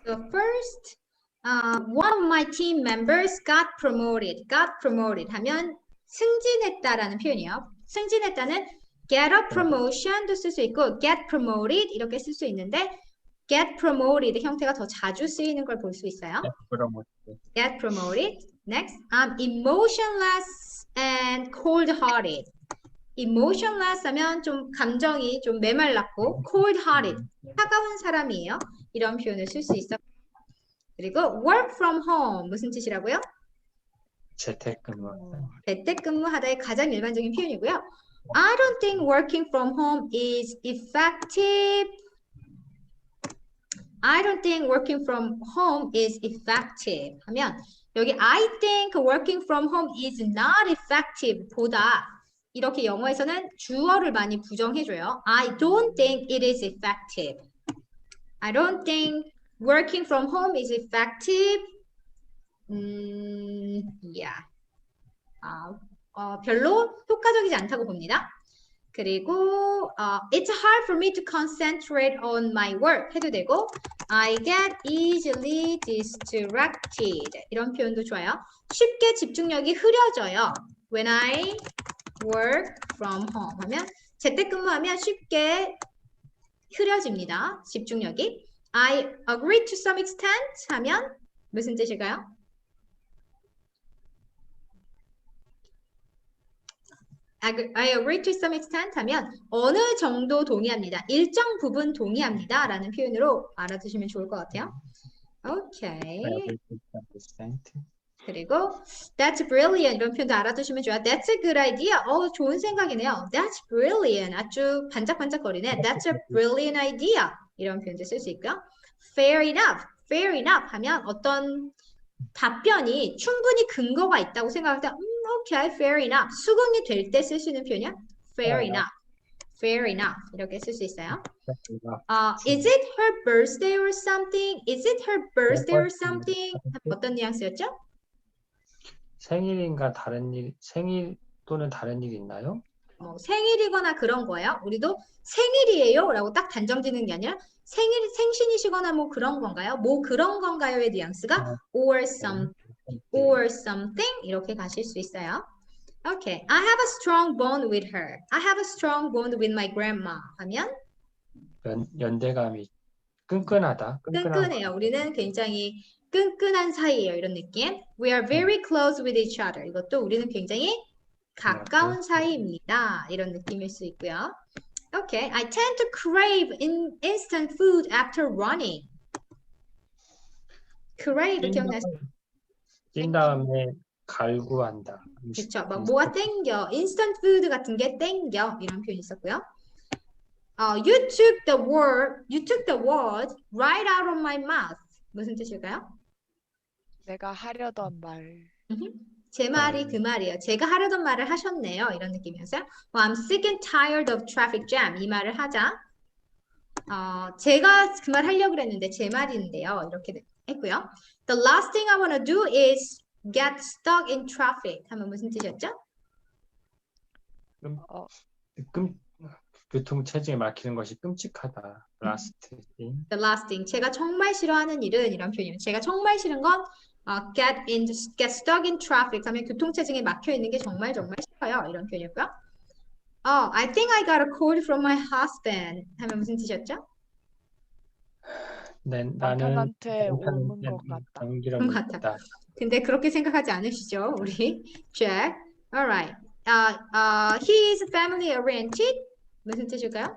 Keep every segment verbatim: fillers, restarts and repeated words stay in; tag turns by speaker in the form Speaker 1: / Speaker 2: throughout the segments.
Speaker 1: So first, uh, one of my team members got promoted. Got promoted 하면 승진했다라는 표현이에요. 승진했다는 get a promotion도 쓸 수 있고 get promoted 이렇게 쓸 수 있는데 get promoted 형태가 더 자주 쓰이는 걸 볼 수 있어요. Get promoted. Next, I'm emotionless and cold-hearted. emotionless 하면 좀 감정이 좀 메말랐고 cold-hearted, 차가운 사람이에요. 이런 표현을 쓸 수 있어. 그리고 work from home 무슨 뜻이라고요?
Speaker 2: 재택근무.
Speaker 1: 재택근무하다의 가장 일반적인 표현이고요. I don't think working from home is effective. I don't think working from home is effective 하면 여기 I think working from home is not effective 보다 이렇게 영어에서는 주어를 많이 부정해줘요. I don't think it is effective. I don't think working from home is effective. 음, yeah. 아, 어, 별로 효과적이지 않다고 봅니다. 그리고 uh, it's hard for me to concentrate on my work 해도 되고 I get easily distracted 이런 표현도 좋아요. 쉽게 집중력이 흐려져요. When I work from home 하면 재택근무하면 쉽게 흐려집니다. 집중력이. I agree to some extent 하면 무슨 뜻일까요? I agree to some extent 하면 어느 정도 동의합니다. 일정 부분 동의합니다. 라는 표현으로 알아두시면 좋을 것 같아요. 오케이. 그리고 that's brilliant 이런 표현도 알아두시면 좋아요. That's a good idea. 어, 좋은 생각이네요. That's brilliant. 아주 반짝반짝거리네. That's a brilliant idea. 이런 표현도 쓸 수 있고요. Fair enough. Fair enough 하면 어떤 답변이 충분히 근거가 있다고 생각할 때 음, 오케이, fair enough. 수긍이 될 때 쓸 수 있는 표현이야. Fair enough. Fair enough. 이렇게 쓸 수 있어요. Uh, is it her birthday or something? Is it her birthday or something? 어떤 뉘앙스였죠?
Speaker 2: 생일인가 다른 일, 생일 또는 다른 일 있나요?
Speaker 1: 뭐 생일이거나 그런 거예요. 우리도 생일이에요 라고 딱 단정짓는 게 아니라 생일, 생신이시거나 뭐 그런 건가요? 뭐 그런 건가요의 뉘앙스가 or some, or something 이렇게 가실 수 있어요. Okay, I have a strong bond with her. I have a strong bond with my grandma. 하면
Speaker 2: 연, 연대감이 끈끈하다.
Speaker 1: 끈끈해요. 우리는 굉장히 끈끈한 사이예요. 이런 느낌. We are very close with each other. 이것도 우리는 굉장히 가까운 사이입니다. 이런 느낌일 수 있고요. Okay, I tend to crave in instant food after running. crave 기억나시죠?
Speaker 2: 뛴 다음에 갈구한다.
Speaker 1: 그렇죠. 막 뭐가 땡겨. instant food 같은 게 땡겨. 이런 표현이 있었고요. Uh, you took the word, you took the word right out of my mouth. 무슨 뜻일까요?
Speaker 3: 내가 하려던 말.
Speaker 1: 제 말이 그 말이에요. 제가 하려던 말을 하셨네요. 이런 느낌이었어요. Well, I'm sick and tired of traffic jam. 이 말을 하자. 어, 제가 그 말 하려고 그랬는데 제 말인데요. 이렇게 했고요. The last thing I want to do is get stuck in traffic. 하면 무슨 뜻이었죠?
Speaker 2: 끔, 끔, 교통체증에 막히는 것이 끔찍하다. Last thing.
Speaker 1: The last thing. 제가 정말 싫어하는 일은 이런 표현이에요. 제가 정말 싫은 건 어, get in, get stuck in traffic 하면 교통체증에 막혀 있는 게 정말 정말 싫어요. 이런 표현이었고요. Oh, I think I got a cold from my husband. 하면 무슨 뜻이었죠?
Speaker 2: 네, 나는
Speaker 3: 남편한테 오는 것 같다.
Speaker 2: 감기라고 있다.
Speaker 1: 근데 그렇게 생각하지 않으시죠, 우리 Jack? Alright. Uh, uh, he is family oriented. 무슨 뜻일까요?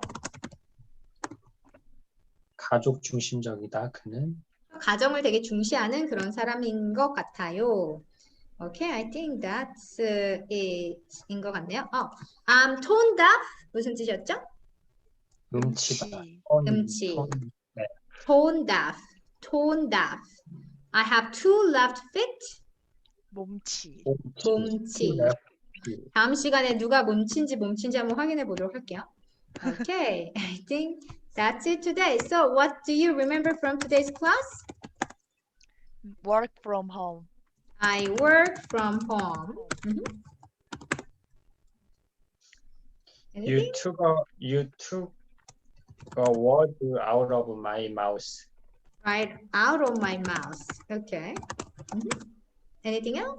Speaker 2: 가족 중심적이다. 그는
Speaker 1: 가정을 되게 중시하는 그런 사람인 것 같아요. Okay, I think that's uh, it인 것 같네요. 어, I'm tone deaf. 무슨 뜻이었죠?
Speaker 2: 음치다.
Speaker 1: 음치.
Speaker 2: 톤, 네.
Speaker 1: Tone deaf. Tone deaf. I have two left feet.
Speaker 3: 몸치.
Speaker 1: 몸치. 다음 시간에 누가 몸치인지 몸치인지 한번 확인해 보도록 할게요. Okay, I think that's it today. So, what do you remember from today's class?
Speaker 3: Work from home.
Speaker 1: I work from home. Mm-hmm.
Speaker 2: You took a you took a word out of my mouth.
Speaker 1: right out of my mouth. Okay. Mhm. Anything else?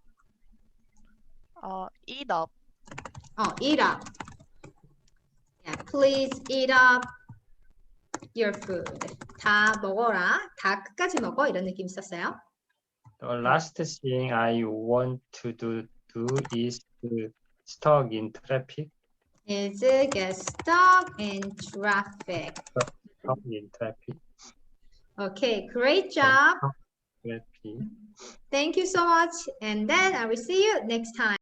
Speaker 3: 어, eat up.
Speaker 1: Oh, eat up. Yeah, please eat up your food. 다 먹어라. 다 끝까지 먹어. 이런 느낌 있었어요.
Speaker 2: The last thing I want to do, do is to stuck in traffic.
Speaker 1: Is get stuck in traffic.
Speaker 2: Stuck in traffic.
Speaker 1: Okay, great job.
Speaker 2: Traffic.
Speaker 1: Thank you so much. And then I will see you next time.